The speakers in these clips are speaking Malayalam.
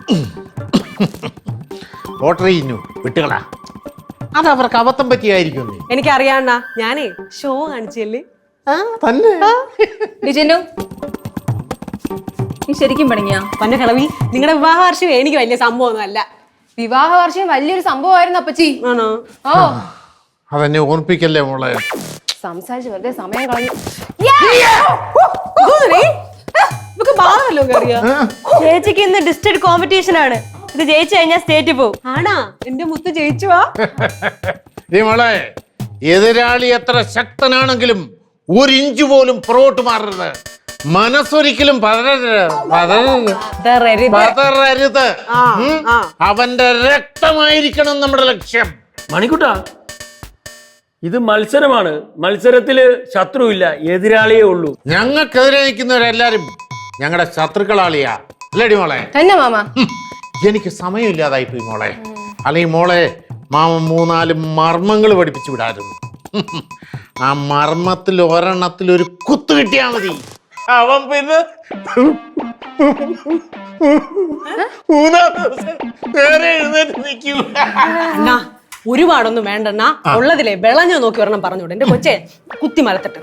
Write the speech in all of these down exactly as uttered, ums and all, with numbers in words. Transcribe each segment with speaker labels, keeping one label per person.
Speaker 1: ഓർഡർ ചെയ്യുന്നു വിട്ടുകളാ. അത് അവർക്ക് അബദ്ധം പറ്റിയായിരിക്കും.
Speaker 2: എനിക്കറിയാണ്ണ, ഞാനേ ഷോ കാണിച്ചല്ലേ.
Speaker 1: തന്നെ
Speaker 3: നീ ശരിക്കും പണിങ്ങിയാ?
Speaker 2: പന്നെ കളവി, നിങ്ങളുടെ വിവാഹ വാർഷികം എനിക്ക് വലിയ സംഭവമൊന്നും അല്ല.
Speaker 3: വിവാഹ വാർഷികം വലിയൊരു സംഭവമായിരുന്നു അപ്പച്ചി.
Speaker 2: ആണോ?
Speaker 3: ഓ
Speaker 1: അതെന്നെ ഓർപ്പിക്കല്ലേ മോളെ.
Speaker 3: സംസാരിച്ച് വെറുതെ സമയം കളഞ്ഞു.
Speaker 4: ചേച്ചിക്ക് ഇന്ന് ഡിസ്ട്രിക്ട് കോമ്പറ്റീഷൻ ആണ്. ഇത് ജയിച്ചു കഴിഞ്ഞാൽ സ്റ്റേറ്റ് പോകും.
Speaker 2: ആണാ? എന്റെ മുത്ത് ജയിച്ചുവാ.
Speaker 1: മോളെ, എതിരാളി എത്ര ശക്തനാണെങ്കിലും ഒരു ഇഞ്ച് പോലും പുറകോട്ട് മാറരുത്. മനസ്സൊരിക്കലും പതറരുത് പതറരുത്. അവന്റെ രക്തമായിരിക്കണം നമ്മുടെ ലക്ഷ്യം.
Speaker 5: മണിക്കുട്ട, ഇത് മത്സരമാണ്. മത്സരത്തില് ശത്രുവില്ല, എതിരാളിയേ ഉള്ളൂ.
Speaker 1: ഞങ്ങൾക്കെതിരെ നിൽക്കുന്നവരെല്ലാരും ഞങ്ങളുടെ ശത്രുക്കളാളിയാ. അല്ലേടി മോളെ?
Speaker 3: തന്നെ മാമ.
Speaker 1: എനിക്ക് സമയമില്ലാതായി പോയി മോളെ. അല്ലെങ്കിൽ മോളെ മാമ മൂന്നാല് മർമ്മങ്ങൾ പഠിപ്പിച്ചു വിടായിരുന്നു. ആ മർമ്മത്തിൽ ഒരെണ്ണത്തിൽ ഒരു കുത്ത് കിട്ടിയാ മതി. അവൻ പിന്നെ മൂന്നാം ദിവസം വേറെ എഴുന്നേറ്റ് നിൽക്കും.
Speaker 2: ഒരുപാടൊന്നും വേണ്ടെന്നാ, ഉള്ളതിലെ വിളഞ്ഞു നോക്കി ഒരെണ്ണം പറഞ്ഞോട്ടെ. എന്റെ കൊച്ചെ കുത്തി മരത്തിട്ട്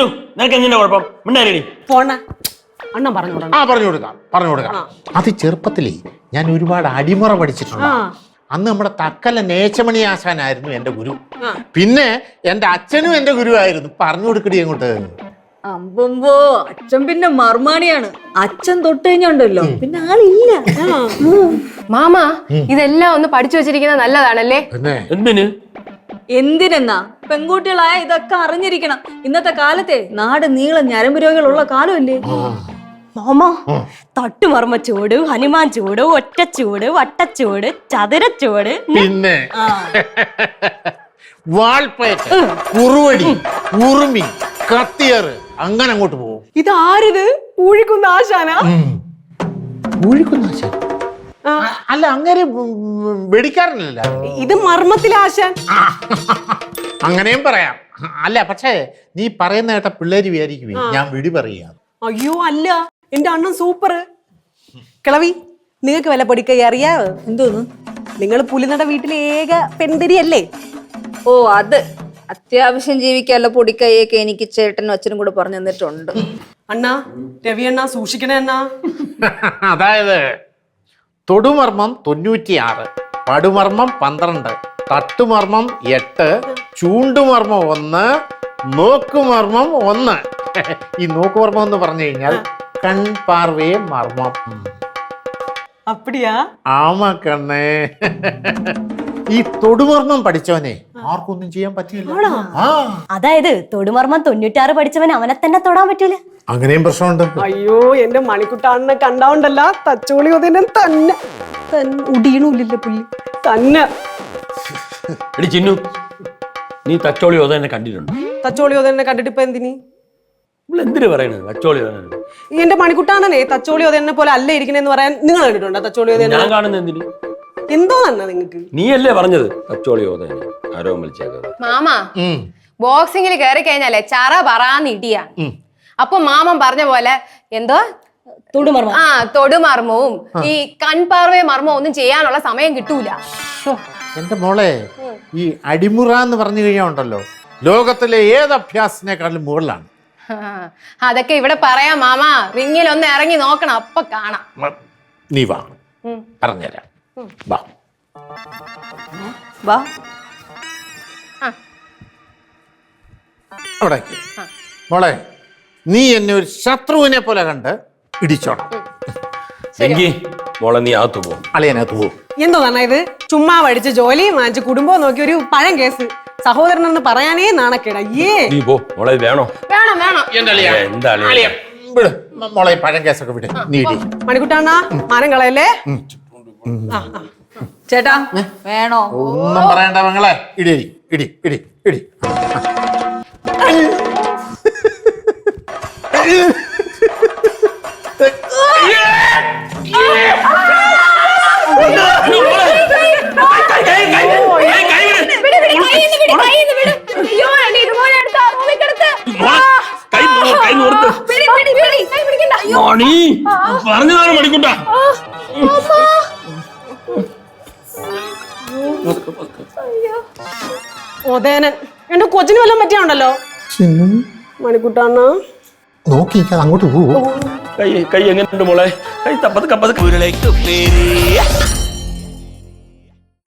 Speaker 2: പോണ അണ്ണൻ പറഞ്ഞോടാ.
Speaker 1: ആ പറഞ്ഞു കൊടുക്കാം പറഞ്ഞു കൊടുക്കാം അത് ചെറുപ്പത്തിലേ ഞാൻ ഒരുപാട് അടിമുറ പഠിച്ചിട്ടുണ്ട്. അന്ന് നമ്മുടെ തക്കല നേച്ചമണി ആശാനായിരുന്നു എന്റെ ഗുരു. പിന്നെ എന്റെ അച്ഛനും എന്റെ ഗുരുവായിരുന്നു. പറഞ്ഞു കൊടുക്കടി അങ്ങോട്ട്.
Speaker 4: അമ്പോ, അച്ഛൻ പിന്നെ മർമാണിയാണ്. അച്ഛൻ തൊട്ട് കഴിഞ്ഞുണ്ടല്ലോ പിന്നെ ആളില്ല.
Speaker 3: മാമ, ഇതെല്ലാം ഒന്ന് പഠിച്ചു വെച്ചിരിക്കുന്നത് നല്ലതാണല്ലേ?
Speaker 5: എന്തിന്?
Speaker 4: എന്തിനെന്നാ? പെൺകുട്ടികളായ ഇതൊക്കെ അറിഞ്ഞിരിക്കണം. ഇന്നത്തെ കാലത്തെ നാട് നീളം ഞരമ്പ് രോഗികളുള്ള കാലമല്ലേ മാമ. തട്ടുമർമ്മ ചൂട്, ഹനുമാൻ ചൂട്, ഒറ്റച്ചൂട്, വട്ടച്ചൂട്, ചതുരച്ചൂട്,
Speaker 1: പിന്നെ വാൾപ്പയറ്റ്, കുറുവടി, ഉറുമി, കത്തിയറ്, അങ്ങനെ അങ്ങോട്ട് പോകും.
Speaker 2: ഇതാരിത്? ഊഴിക്കുന്ന ആശാന?
Speaker 1: ഊഴിക്കുന്ന ആശാൻ അല്ല, അങ്ങനെ വെടിക്കാരനല്ല.
Speaker 2: ഇത് മർമ്മത്തിലെ ആശാൻ.
Speaker 1: അങ്ങനെയും പറയാം. അല്ല, പക്ഷേ നീ പറയുന്ന കേട്ട പിള്ളേര് വിചാരിക്കുവേ ഞാൻ വെടി പറയാ.
Speaker 2: അയ്യോ അല്ല, എന്റെ അണ്ണൻ സൂപ്പർ. കിളവി, നിങ്ങൾക്ക് വില പൊടിക്കൈ അറിയാവോ?
Speaker 4: എന്തോന്ന്?
Speaker 2: നിങ്ങൾ പുലിനട വീട്ടിലെ ഏക പെൺതിരിയല്ലേ?
Speaker 4: ഓ, അത് അത്യാവശ്യം ജീവിക്കാനുള്ള പൊടിക്കൈയൊക്കെ എനിക്ക് ചേട്ടനും അച്ഛനും കൂടെ പറഞ്ഞു തന്നിട്ടുണ്ട്.
Speaker 2: അണ്ണാ, രവി അണ്ണാ സൂക്ഷിക്കണേ അണ്ണാ.
Speaker 1: അതായത് തൊടുമർമ്മം തൊണ്ണൂറ്റിയാറ്, പടുമർമ്മം പന്ത്രണ്ട്, തട്ടുമർമ്മം എട്ട്, ചൂണ്ടുമർമ്മം ഒന്ന്, നോക്കുമർമ്മം ഒന്ന്. ഈ നോക്കുമർമ്മം എന്ന് പറഞ്ഞു കഴിഞ്ഞാൽ കൺപാർവയെ മർമ്മം.
Speaker 2: അപ്പടിയാ?
Speaker 1: ആമാ കണ്ണേ. ഈ തൊടുമർമ്മം പഠിച്ചവനെ ആർക്കൊന്നും ചെയ്യാൻ പറ്റില്ല.
Speaker 4: അതായത് തൊടുമർമ്മം തൊണ്ണൂറ്റാറ് പഠിച്ചവൻ അവനെ തന്നെ തൊടാൻ പറ്റൂല.
Speaker 1: അങ്ങനെയും പ്രശ്നമുണ്ട്.
Speaker 2: അയ്യോ, എന്റെ മണിക്കുട്ടാണ്ണെ കണ്ടാവുണ്ടല്ല, തച്ചോളി ഒതിനെ തന്നെ ഉടിയണൂല്ലേ പുല്ലി തന്നെ.
Speaker 5: എടി ചിന്നു, നീ തച്ചോളി ഓതന്നെ കണ്ടിട്ടുണ്ട്?
Speaker 2: തച്ചോളി ഒതിനെ കണ്ടിട്ട് ഇപ്പൊ എന്തിനി?
Speaker 5: എന്തിനു പറയണത് തച്ചോളി ഓതന്നെ?
Speaker 2: എന്റെ മണിക്കുട്ടാണ്ണനെ തച്ചോളി ഒതിനെ പോലെ അല്ല ഇരിക്കണെന്ന് പറയാൻ നിങ്ങൾ കണ്ടിട്ടുണ്ടോ? തച്ചോളി ഒതിനെ
Speaker 5: ഞാൻ കാണുന്ന എന്തിന്?
Speaker 2: എന്തോ തന്നെ നിങ്ങക്ക്.
Speaker 5: നീയല്ലേ പറഞ്ഞത് തച്ചോളി ഓതന്നെ? ആരോ വിളിച്ചേക്ക.
Speaker 3: മാമ, ബോക്സിംഗിൽ കയറി കഴിഞ്ഞാലേ ചറ പറയാന്ന് ഇടിയാ. അപ്പൊ മാമൻ പറഞ്ഞ പോലെ എന്തോ
Speaker 4: തൊടുമർമ്മം,
Speaker 3: ആ തൊടുമർമ്മവും ഈ കൺപാർവയ മർമ്മവും ഒന്നും ചെയ്യാനുള്ള സമയം കിട്ടൂല.
Speaker 1: എന്റെ മോളെ, ഈ അടിമുറ എന്ന് പറഞ്ഞു കഴിഞ്ഞാൽ ഉണ്ടല്ലോ, ലോകത്തിലെ ഏത് അഭ്യാസത്തിനേക്കാളും മുകളിലാണ്.
Speaker 3: അതൊക്കെ ഇവിടെ പറയാം മാമ. റിങ്ങിൽ ഒന്ന് ഇറങ്ങി നോക്കണം, അപ്പൊ കാണാം.
Speaker 1: നീ വാ, പറഞ്ഞുതരാം. വാ
Speaker 4: വാ.
Speaker 1: അവിടെ മോളെ, നീ എന്നെ ഒരു ശത്രുവിനെ പോലെ കണ്ട് ഇടിച്ചോണം.
Speaker 5: മോളെ നീ അകത്ത് പോകും.
Speaker 1: അളിയനകത്ത് പോകും.
Speaker 2: എന്തോ തന്നെ ഇത്? ചുമ്മാ പഠിച്ച് ജോലിയും വാങ്ങിച്ച് കുടുംബവും നോക്കി ഒരു പഴം കേസ്. സഹോദരൻ എന്ന് പറയാനേ നാണക്കേടാ. ഏ
Speaker 5: മോളെ വേണോ?
Speaker 3: വേണം വേണം.
Speaker 1: മോളെ പഴം കേസൊക്കെ വിട്. നീ ഇടി.
Speaker 2: മണിക്കുട്ടാണ്ണ, മാനം കളയല്ലേ.
Speaker 4: ചേട്ടാ വേണോ?
Speaker 1: ഒന്നും പറയണ്ട മങ്ങളെ. ഇടി ഇടി ഇടി ഇടി.
Speaker 5: പറഞ്ഞതാണ് മണിക്കുട്ട.
Speaker 2: ഓതേനൻ എന്റെ കൊച്ചിന് വല്ലതും പറ്റിയാണ്ടല്ലോ മണിക്കുട്ടാണ്ണ
Speaker 1: നോക്കി അങ്ങോട്ട് പോവോ
Speaker 5: കൈ കൈ എങ്ങനെയുണ്ട് മോളെ കൈ തപ്പത് കപ്പത്
Speaker 6: ഉരുളയ്ക്ക് പേര്